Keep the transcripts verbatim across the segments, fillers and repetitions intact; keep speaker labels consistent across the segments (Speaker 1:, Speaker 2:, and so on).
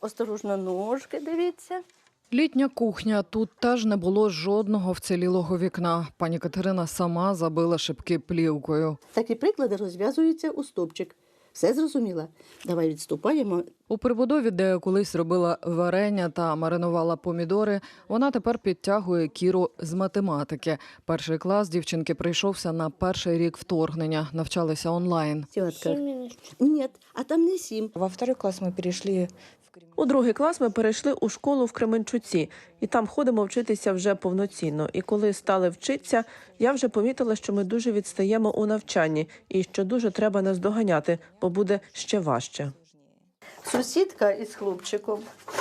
Speaker 1: осторожно ножки, дивіться.
Speaker 2: Літня кухня. Тут теж не було жодного вцілілого вікна. Пані Катерина сама забила шибки плівкою.
Speaker 1: Такі приклади розв'язуються у стовпчик. Все зрозуміла? Давай відступаємо.
Speaker 2: У прибудові, де колись робила варення та маринувала помідори, вона тепер підтягує Кіру з математики. Перший клас дівчинки прийшовся на перший рік вторгнення. Навчалися онлайн.
Speaker 1: Тітка. Ні, а там не сім.
Speaker 3: Во второй класс мы перешли в Кремль.
Speaker 4: У другий клас ми перейшли у школу в Кременчуці, і там ходимо вчитися вже повноцінно. І коли стали вчитися, я вже помітила, що ми дуже відстаємо у навчанні і що дуже треба нас доганяти, бо буде ще важче.
Speaker 1: Сусідка із хлопчиком.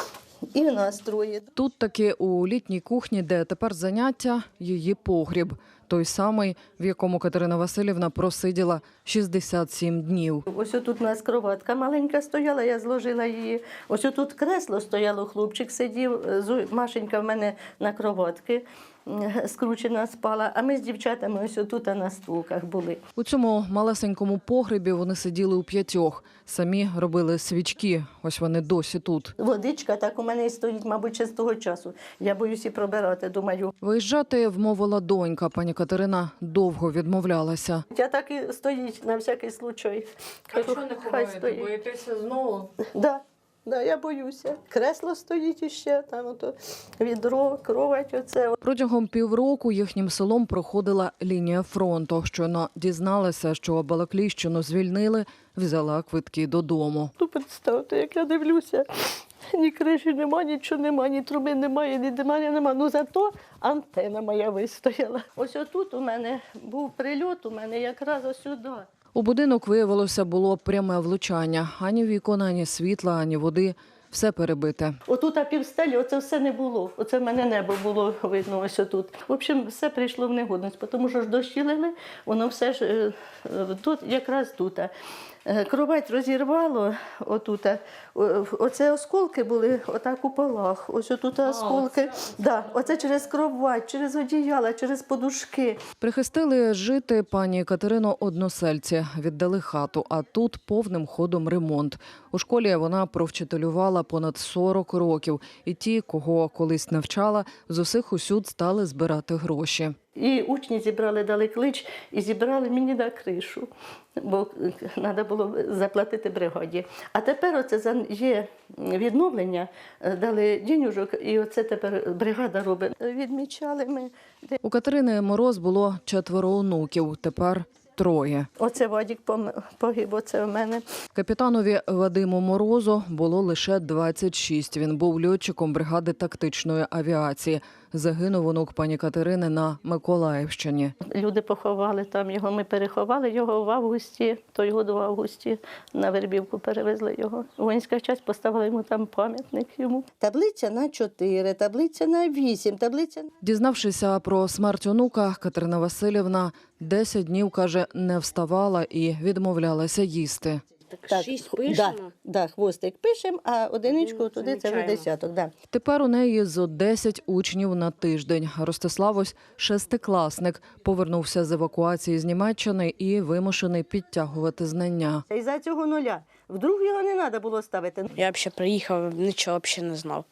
Speaker 1: І нас троє.
Speaker 2: Тут таки у літній кухні, де тепер заняття, її погріб. Той самий, в якому Катерина Василівна просиділа шістдесят сім днів.
Speaker 1: Ось тут у нас кроватка маленька стояла, я зложила її. Ось тут кресло стояло, хлопчик сидів, Зу- Машенька в мене на кроватки скручена спала, а ми з дівчатами ось тут на стулках були.
Speaker 2: У цьому малесенькому погребі вони сиділи у п'ятьох. Самі робили свічки. Ось вони досі тут.
Speaker 1: Водичка так у мене і стоїть, мабуть, ще з того часу. Я боюсь і пробирати, думаю.
Speaker 2: Виїжджати вмовила донька. Пані Катерина довго відмовлялася.
Speaker 1: Я так і стоїть на всякий случай. Кажу, хай стоїть.
Speaker 2: Боїтеся знову?
Speaker 1: Да, да, я боюся. Кресло стоїть іще, там ото відро, кровать оце.
Speaker 2: Протягом півроку їхнім селом проходила лінія фронту. Щойно дізналася, що Балаклійщину звільнили, взяла квитки додому.
Speaker 1: Ну, представте, як я дивлюся, ні криші нема, нічого нема, ні труби немає, ні димаря нема. Ну, зато антена моя вистояла. Ось отут у мене був прильот, у мене якраз ось сюди.
Speaker 2: У будинок, виявилося, було пряме влучання. Ані вікон, ані світла, ані води. Все перебите.
Speaker 1: Отут а півстелі, оце все не було. Оце в мене небо було видно ось отут. В общем, все прийшло в негодність, тому що ж дощі лили, воно все ж е, е, тут, якраз тут. Е, Кровать розірвало отут. Е, Оце осколки були отак у полах. Ось отут осколки. Да, оце через кровать, через одіяла, через подушки.
Speaker 2: Прихистили жити пані Катерину односельці, віддали хату, а тут повним ходом ремонт. У школі вона провчителювала понад сорок років, і ті, кого колись навчала, з усіх усюд стали збирати гроші.
Speaker 1: І учні зібрали, дали клич і зібрали мені на кришу, бо треба було заплатити бригаді. А тепер оце за- є відновлення, дали денюжок, і оце тепер бригада робить. Відмічали ми.
Speaker 2: У Катерини Мороз було четверо онуків, тепер троє.
Speaker 1: Оце Вадік пом- погиб, оце в мене.
Speaker 2: Капітанові Вадиму Морозу було лише двадцять шість. Він був льотчиком бригади тактичної авіації. Загинув онук пані Катерини на Миколаївщині.
Speaker 1: Люди поховали там його, ми переховали його в августі, той год в августі на Вербівку перевезли його. Воїнська частина поставила йому там пам'ятник йому. Таблиця на чотири, таблиця на вісім, таблиця...
Speaker 2: Дізнавшися про смерть онука, Катерина Василівна десять днів, каже, не вставала і відмовлялася їсти.
Speaker 1: Так,
Speaker 3: Шість
Speaker 1: х-
Speaker 3: пишемо?
Speaker 1: Да, да, хвостик пишемо, а одиничку
Speaker 3: Один
Speaker 1: туди це вже
Speaker 3: замічаємо.
Speaker 1: десяток. Да.
Speaker 2: Тепер у неї зо десять учнів на тиждень. Ростислав ось шестикласник, повернувся з евакуації з Німеччини і вимушений підтягувати знання.
Speaker 1: І за цього нуля. Вдруг його не треба було ставити.
Speaker 3: Я взагалі приїхав, нічого взагалі не знав.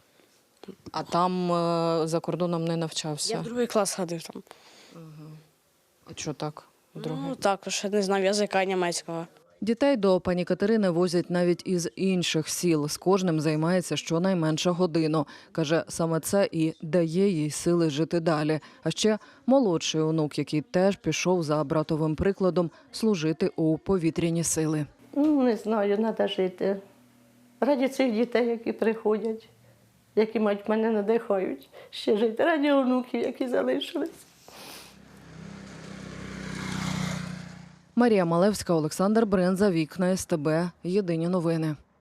Speaker 2: А там е, за кордоном не
Speaker 3: Я
Speaker 2: навчався?
Speaker 3: в другий клас ходив там.
Speaker 2: А що так?
Speaker 3: Ну, також не знав язика німецького.
Speaker 2: Дітей до пані Катерини возять навіть із інших сіл. З кожним займається щонайменше годину. Каже, саме це і дає їй сили жити далі. А ще молодший онук, який теж пішов за братовим прикладом служити у повітряні сили.
Speaker 1: Ну, не знаю, треба жити. Раді цих дітей, які приходять, які мать мене надихають ще жити. Раді онуків, які залишились.
Speaker 2: Марія Малевська, Олександр Бринза, Вікна СТБ. Єдині новини.